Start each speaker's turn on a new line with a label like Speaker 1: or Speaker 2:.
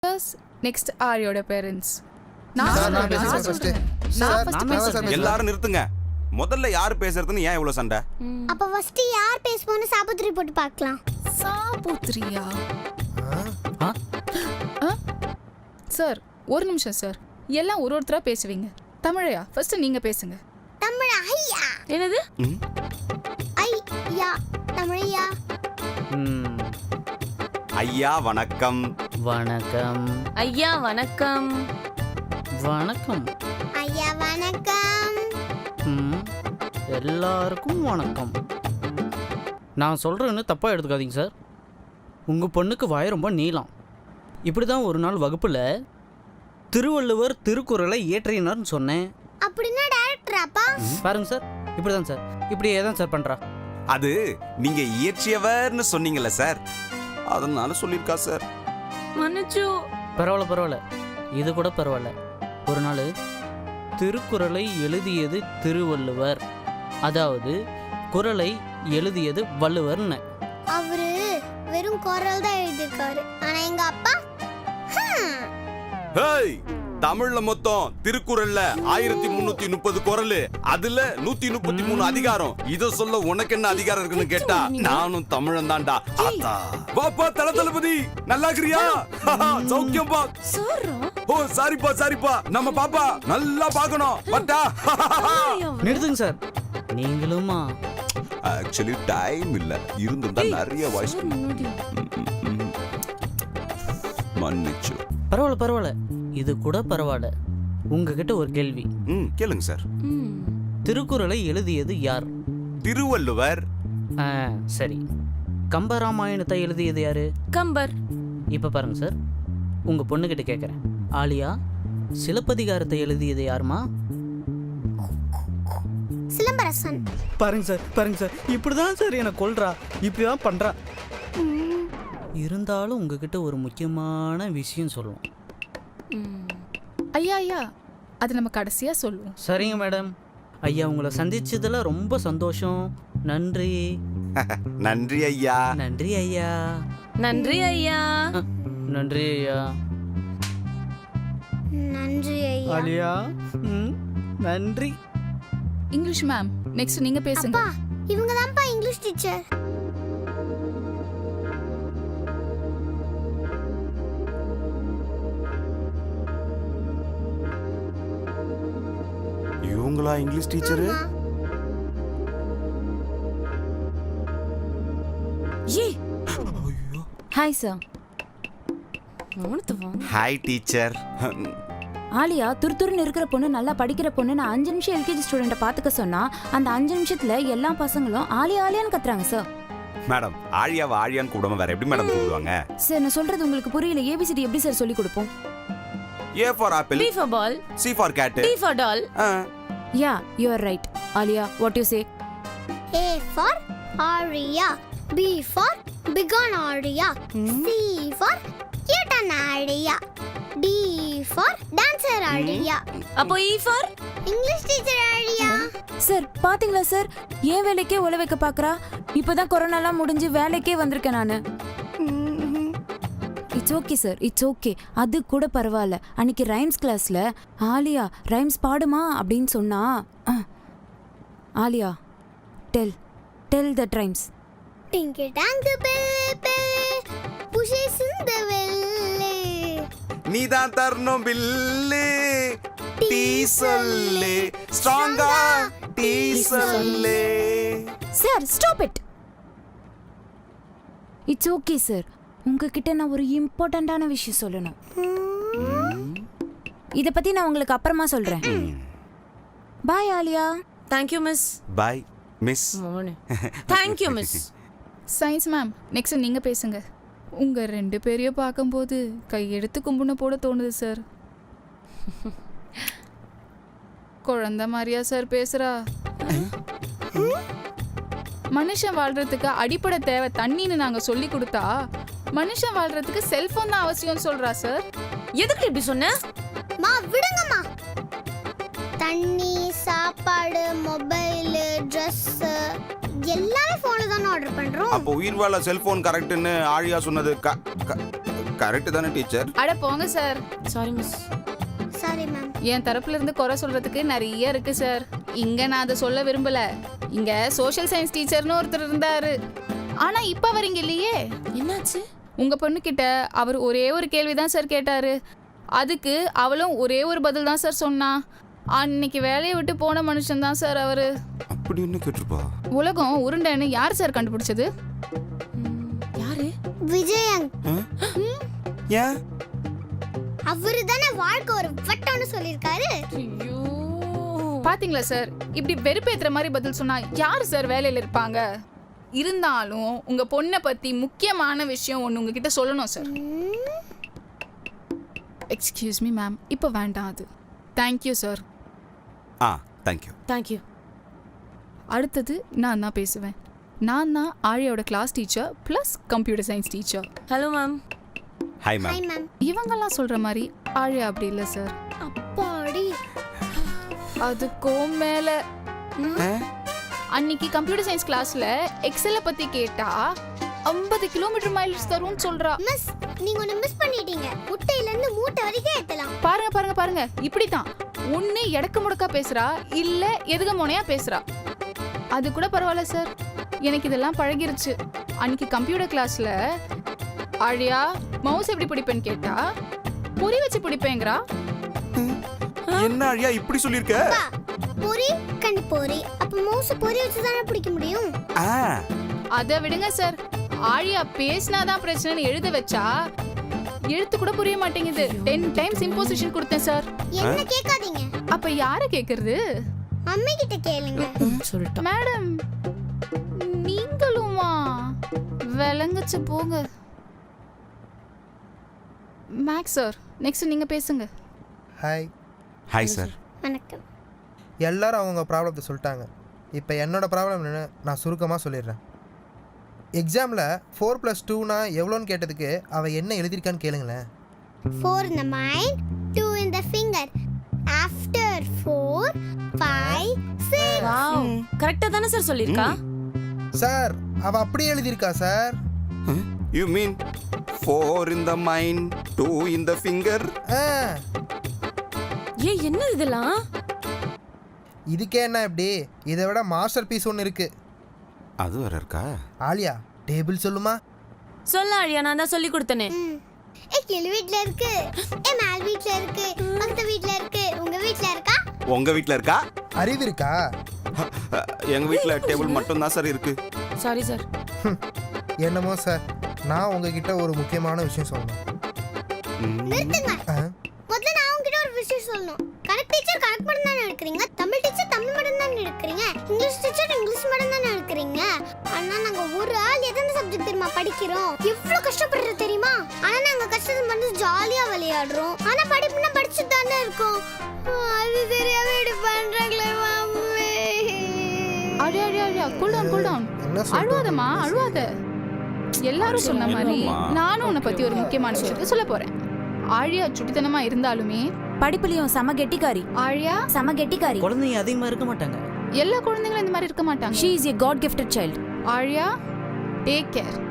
Speaker 1: Next ஆரியோட parents.
Speaker 2: எல்லாரும் நிறுத்துங்க. முதல்ல யார் பேசுறதுன்னு ஏன் இவ்வளவு சண்டை?
Speaker 3: அப்ப ஃபர்ஸ்ட் யார் பேசுவோம்னு சாபுத்திரி போட்டு பார்க்கலாம்.
Speaker 1: சாபுத்திரியா? சார் ஒரு நிமிஷம் சார், எல்லாம் ஒருத்தரா பேசுவீங்க. தமிழையா ஃபர்ஸ்ட் நீங்க பேசுங்க.
Speaker 3: தமிழ் ஐயா.
Speaker 4: என்னது?
Speaker 3: ஐயா தமிழையா.
Speaker 2: ஐயா வணக்கம்.
Speaker 5: வணக்கம்.
Speaker 4: ஐயா வணக்கம்.
Speaker 5: வணக்கம்.
Speaker 3: ஐயா வணக்கம்.
Speaker 5: எல்லாருக்கும் வணக்கம். நான் சொல்கிறேன்னு தப்பாக எடுத்துக்காதீங்க சார். உங்கள் பொண்ணுக்கு வாய் ரொம்ப நீளம். இப்படி தான் ஒரு நாள் வகுப்பில் திருவள்ளுவர் திருக்குறளை இயற்றினார்னு சொன்னேன்.
Speaker 3: அப்படின்னா டைரக்டராப்பா?
Speaker 5: பாருங்க சார், இப்படி தான் சார், இப்படியே தான் சார் பண்ணுறா.
Speaker 2: அது நீங்க இயற்றியவர்னு சொன்னீங்கல்ல சார், அதனால சொல்லியிருக்கா சார்.
Speaker 4: மன்னிச்சு.
Speaker 5: பரவாயில்ல, இது கூட பரவாயில்ல. ஒரு நாள் திருக்குறளை எழுதியது திருவள்ளுவர், அதாவது குறளை எழுதியது வள்ளுவர்னு.
Speaker 3: அவரு வெறும் குறள் தான் எழுதிருக்காரு. ஆனா எங்க அப்பா
Speaker 2: ஹேய், தமிழ்ல மொத்தம் திருக்குறள்ல 1330 குறள், அதுல 133 அதிகாரம். இத சொல்ல உனக்கு என்ன அதிகாரம் இருக்குன்னு கேட்டா நானும் தமிழன் தான்டா. வாப்பா தளபதி, நல்லா இருக்கிறியா? சௌக்கியம் பா. ஓ சாரிப்பா, நம்ம பாப்பா நல்லா பாக்கணும். பட்டா
Speaker 5: நிறுத்துங்க சார். நீங்களுமா?
Speaker 2: ஆக்சுவலி டைம் இல்ல, இருந்திருந்தா நிறைய வாய்ஸ். மன்னிச்சு.
Speaker 5: பரவாயில்ல, இது கூட பரவாயில்ல. உங்ககிட்ட ஒரு கேள்வி.
Speaker 2: கேளுங்க சார்.
Speaker 5: திருக்குறளை எழுதியது யார்?
Speaker 2: திருவள்ளுவர்.
Speaker 5: சரி. கம்பராமாயணத்தை எழுதியது யாரு?
Speaker 4: கம்பர்.
Speaker 5: இப்ப பாருங்க சார், உங்க பொண்ணுகிட்ட கேட்குறேன். ஆலியா, சிலப்பதிகாரத்தை எழுதியது யாருமா?
Speaker 3: சிலம்பரசன்.
Speaker 5: பாருங்க சார், இப்படிதான் சார் என்ன கொல்றா, இப்படிதான் பண்றா. இருந்தாலும் உங்ககிட்ட ஒரு முக்கியமான விஷயம் சொல்லுவோம்.
Speaker 1: ஐயா அது நம்ம கடைசியா சொல்லுவோம்.
Speaker 5: சரிங்க மேடம். ஐயா, உங்களை சந்திச்சதுல ரொம்ப சந்தோஷம். நன்றி.
Speaker 2: நன்றி ஐயா.
Speaker 5: நன்றி ஐயா.
Speaker 4: நன்றி ஐயா.
Speaker 5: நன்றி ஐயா.
Speaker 3: நன்றி ஐயா.
Speaker 5: ஆலியா, நன்றி.
Speaker 1: இங்கிலீஷ் மேம், நெக்ஸ்ட் நீங்க பேசுங்க.
Speaker 3: அப்பா, இவங்க தான்ப்பா இங்கிலீஷ் டீச்சர்.
Speaker 2: இவங்களா English teacher?
Speaker 4: Hi sir.
Speaker 2: Hi teacher.
Speaker 6: Aaliya, துருத்துருன்னு இருக்கிற பொண்ணு, நல்லா படிக்கிற பொண்ணு, நான் 5 நிமிஷம் எல்கேஜி ஸ்டூடெண்ட்டை பார்த்துக்க சொன்னா அந்த 5 நிமிஷத்துல எல்லா பசங்களும் ஆலியான்னு கத்துறாங்க சார்.
Speaker 2: மேடம், ஆழியாவை ஆழியான்னு கூப்பிடாம வேற எப்படி மேடம் கூப்பிடுவாங்க?
Speaker 6: சார், நான் சொல்றது உங்களுக்கு புரியல. ஏபிசிடி எப்படி சார் சொல்லி கொடுப்போம்?
Speaker 2: A for apple,
Speaker 4: B for ball,
Speaker 2: C for cat,
Speaker 4: T for doll.
Speaker 6: Yeah, you are right. Aaliya, what you say?
Speaker 3: A for Aria, B for big on Aria, C for cute on Aria, D for dancer Aria.
Speaker 4: அப்போ E for
Speaker 3: English teacher Aria.
Speaker 6: Sir, பாத்தீங்களா sir, ஏன் வேலைக்கே உழ வைக்க பாக்குறா. இப்பதான் கொரோனாலாம் முடிஞ்சு வேலைக்கே வந்திருக்கேன் நானு. It's okay sir, it's okay. அது கூட பரவாயில்ல. அன்னைக்கு ரைம்ஸ் கிளாஸ்ல ஆலியா ரைம்ஸ் பாடுமா அப்படின்னு சொன்னா, Aaliya tell the rhymes.
Speaker 3: Tinky tanky bell bell, pushes in the well.
Speaker 2: நீதான் தரணும் பில்லு, டீ சொல்லு, ஸ்ட்ராங்கா டீ சொல்லு.
Speaker 6: Sir, stop it. It's okay sir. உங்ககிட்ட நான் ஒரு இம்பார்ட்டண்டான விஷயம் சொல்லணும். இத பத்தி நான் உங்களுக்கு அப்புறமா சொல்றேன். Bye Aaliya.
Speaker 4: Thank you miss.
Speaker 2: Bye miss.
Speaker 4: Thank you miss.
Speaker 1: Science ma'am, next நீங்க பேசுங்க. உங்க 2 பேரையும் பார்க்கும்போது கையெடுத்து கும்பிட போட தோணுது சார். குழந்தை மாதிரியா சார் பேசுறா? மனுஷன் வாழ்றதுக்கு அடிப்படை தேவை தண்ணின்னு நாங்க சொல்லி கொடுத்தா, மனுஷன் வாழ்றதுக்கு செல்போன் தான் அவசியம் சொல்றா சார்.
Speaker 4: எதுக்கு இப்படி சொன்ன?
Speaker 3: மா விடுங்கம்மா. தண்ணி, சாப்பாடு, மொபைல், ட்ரெஸ் எல்லாமே போன்ல தான ஆர்டர் பண்றோம்.
Speaker 2: அப்போ உயிர் வாழ செல்போன் கரெக்ட்னு ஆழியா சொன்னது கரெக்ட் தானே டீச்சர்?
Speaker 1: அட போங்க sir.
Speaker 4: Sorry miss.
Speaker 3: Sorry ma'am.
Speaker 1: என் தரப்புல இருந்து குறை சொல்றதுக்கு நிறைய இருக்கு சார். இங்க நான் அதை சொல்ல விரும்பல. இங்க சோஷியல் சயின்ஸ் டீச்சர்னு ஒருத்தர் இருந்தாரு. ஆனா இப்ப அவர் இங்க இல்லையே.
Speaker 4: என்னாச்சு?
Speaker 1: உங்க பொண்ணு கிட்ட அவர் ஒரே ஒரு கேள்விதான் சார் கேட்டாரு. அதுக்கு அவளும் ஒரே ஒரு பதில் தான் சார் சொன்னா. அன்னைக்கு வேலையை விட்டு போன மனுஷன் தான் சார் அவரு.
Speaker 2: அப்படி என்ன கேட்டிருப்பா?
Speaker 1: உலகம் உருண்டைன்னு யார் சார் கண்டுபிடிச்சது?
Speaker 4: யாரு?
Speaker 3: விஜயன்.
Speaker 2: ஏன்?
Speaker 3: அவரு தானே வாழ்க்கை ஒரு வட்டம்னு சொல்லியிருக்காரு.
Speaker 4: ஐயோ.
Speaker 1: பாத்தீங்களா சார், இப்படி வெறுப்பேத்துற மாதிரி பதில் சொன்னா யார் சார் வேலையில இருப்பாங்க? இருந்தாலும் உங்க பொண்ணை பத்தி முக்கியமான விஷயம் ஒன்று உங்ககிட்ட சொல்லணும் சார். எக்ஸ்கியூஸ் மீ மேம், இப்போ வேண்டாம் அது. Thank you sir.
Speaker 2: தேங்க்யூ.
Speaker 4: தேங்க்யூ.
Speaker 1: அடுத்தது நான் தான் பேசுவேன். நான் தான் ஆழியோட class teacher plus computer science teacher.
Speaker 4: Hello ma'am.
Speaker 2: Hi ma'am.
Speaker 3: Hi ma'am.
Speaker 1: இவங்கெல்லாம் சொல்ற மாதிரி ஆழியா அப்படி இல்லை சார்.
Speaker 3: அப்பாடி.
Speaker 1: அதுக்கும் மேல அன்னைக்கு கம்ப்யூட்டர் சயின்ஸ் கிளாஸ்ல எக்ஸல பத்தி கேட்டா 50 கிலோமீட்டர் மைல்ஸ் தரும்னு சொல்றா.
Speaker 3: மிஸ், நீங்க ஒன்னு மிஸ் பண்ணிட்டீங்க. முட்டையில இருந்து மூட்டை வரைக்கும் ஏத்தலாம்.
Speaker 1: பாருங்க பாருங்க பாருங்க, இப்படிதான் ஒண்ணு எடக்கு முடக்கா பேசுறா, இல்ல எதுக மோனையா பேசுறா. அது கூட பரவாயில்ல சார், எனக்கு இதெல்லாம் பழகிருச்சு. அன்னைக்கு கம்ப்யூட்டர் கிளாஸ்ல ஆழியா மவுஸ் எப்படி பிடிப்பேன்னு கேட்டா பொறி வச்சு பிடிப்பேங்கிறா.
Speaker 2: என்ன அழியா இப்படி சொல்லிருக்க?
Speaker 3: பொரி கண்டி பொரி. அப்ப மவுஸ் பொரி வச்சு தானே பிடிக்க முடியும்.
Speaker 1: அத விடுங்க சார், ஆழியா பேசினாதான் பிரச்சனைன்னு எழுத வச்சா எழுத்து கூட புரிய மாட்டேங்குது. 10 டைம்ஸ் இம்போசிஷன் கொடுத்தேன் சார்.
Speaker 3: என்ன கேட்காதீங்க.
Speaker 1: அப்ப யாரை கேக்குறது?
Speaker 3: அம்மா கிட்ட கேளுங்க.
Speaker 4: சொல்லிட்டேன்.
Speaker 1: மேடம் நீங்களுமா? விளங்குச்சு போங்க. மேக்ஸ் சார், நெக்ஸ்ட் நீங்க பேசுங்க.
Speaker 7: ஹாய்.
Speaker 2: Hi sir.
Speaker 3: வணக்கம்.
Speaker 7: எல்லாரும் அவங்க ப்ராப்ளத்தை சொல்லிட்டாங்க. இப்போ என்னோட ப்ராப்ளம் என்னன்னு நான் சுருக்கமாக சொல்லிடுறேன். எக்ஸாமில் 4+2னா எவ்வளோன்னு கேட்டதுக்கு அவள் என்ன எழுதியிருக்கான்னு கேளுங்களேன்.
Speaker 3: 4 in the mind, 2 in the finger. After 4, 5, 6.
Speaker 4: Wow. கரெக்ட்டா தானே சார் சொல்லிருக்கா?
Speaker 7: சார் அவள் அப்படியே எழுதியிருக்கா sir.
Speaker 2: You mean 4 in the mind, 2 in the finger?
Speaker 4: ஏய் என்ன இதெல்லாம்?
Speaker 7: இதுக்கே என்ன இப்படி? இதை விட மாஸ்டர் பீஸ் ஒன்று இருக்கு.
Speaker 2: அது வேற இருக்கா?
Speaker 7: ஆலியா டேபிள் சொல்லுமா?
Speaker 4: சொல்ல ஆழியா, நான் தான் சொல்லி கொடுத்தனே.
Speaker 3: கீழ் வீட்ல இருக்கு, மேல் வீட்ல இருக்கு, பக்கத்து வீட்ல இருக்கு. உங்க வீட்ல இருக்கா?
Speaker 2: உங்க வீட்ல இருக்கா?
Speaker 7: அறிவு இருக்கா?
Speaker 2: எங்க வீட்ல டேபிள் மட்டும் தான் சார் இருக்கு.
Speaker 4: Sorry sir.
Speaker 7: என்னமோ சார், நான் உங்ககிட்ட ஒரு முக்கியமான விஷயம் சொல்லணும்.
Speaker 3: நிறுத்துங்க. முதல்ல நான் உங்ககிட்ட ஒரு விஷயம் சொல்லணும். கணக்கு டீச்சர் கணக்கு மட்டும் தான் எடுக்கிறீங்க, தமிழ் டீச்சர் தமிழ் மட்டும் தான் எடுக்கிறீங்க, இங்கிலீஷ் டீச்சர் இங்கிலீஷ் மட்டும் தான் எடுக்கிறீங்க. ஆனா நாங்க ஒரு ஆள் எத்தனை சப்ஜெக்ட் தெரியுமா படிக்கிறோம்? எவ்வளவு கஷ்டப்படுறது தெரியுமா? ஆனா நாங்க கஷ்டத்தை மட்டும் ஜாலியா விளையாடுறோம். ஆனா படிப்புனா படிச்சுட்டு தானே இருக்கோம். அது தெரியாம இப்படி பண்றாங்களே மம்மி.
Speaker 1: அழியா அழியா அழியா, கூல் டவுன் கூல் டவுன்.
Speaker 7: என்ன சொல்றது?
Speaker 1: அழுவாதம்மா அழுவாத. எல்லாரும் சொன்ன மாதிரி நானும் உன்னை பத்தி ஒரு முக்கியமான விஷயத்தை சொல்ல போறேன். ஆழியா சுட்டித்தனமா இருந்தாலுமே
Speaker 6: படிப்புலயும் செம கெட்டிக்காரி.
Speaker 1: ஆழியா
Speaker 6: செம கெட்டிக்காரி.
Speaker 5: குழந்தைங்க அதிகமாக இருக்க மாட்டாங்க.
Speaker 1: எல்லா குழந்தைங்களும் இந்த மாதிரி இருக்க மாட்டாங்க.
Speaker 6: She is a god gifted child.
Speaker 1: Aaliya take care.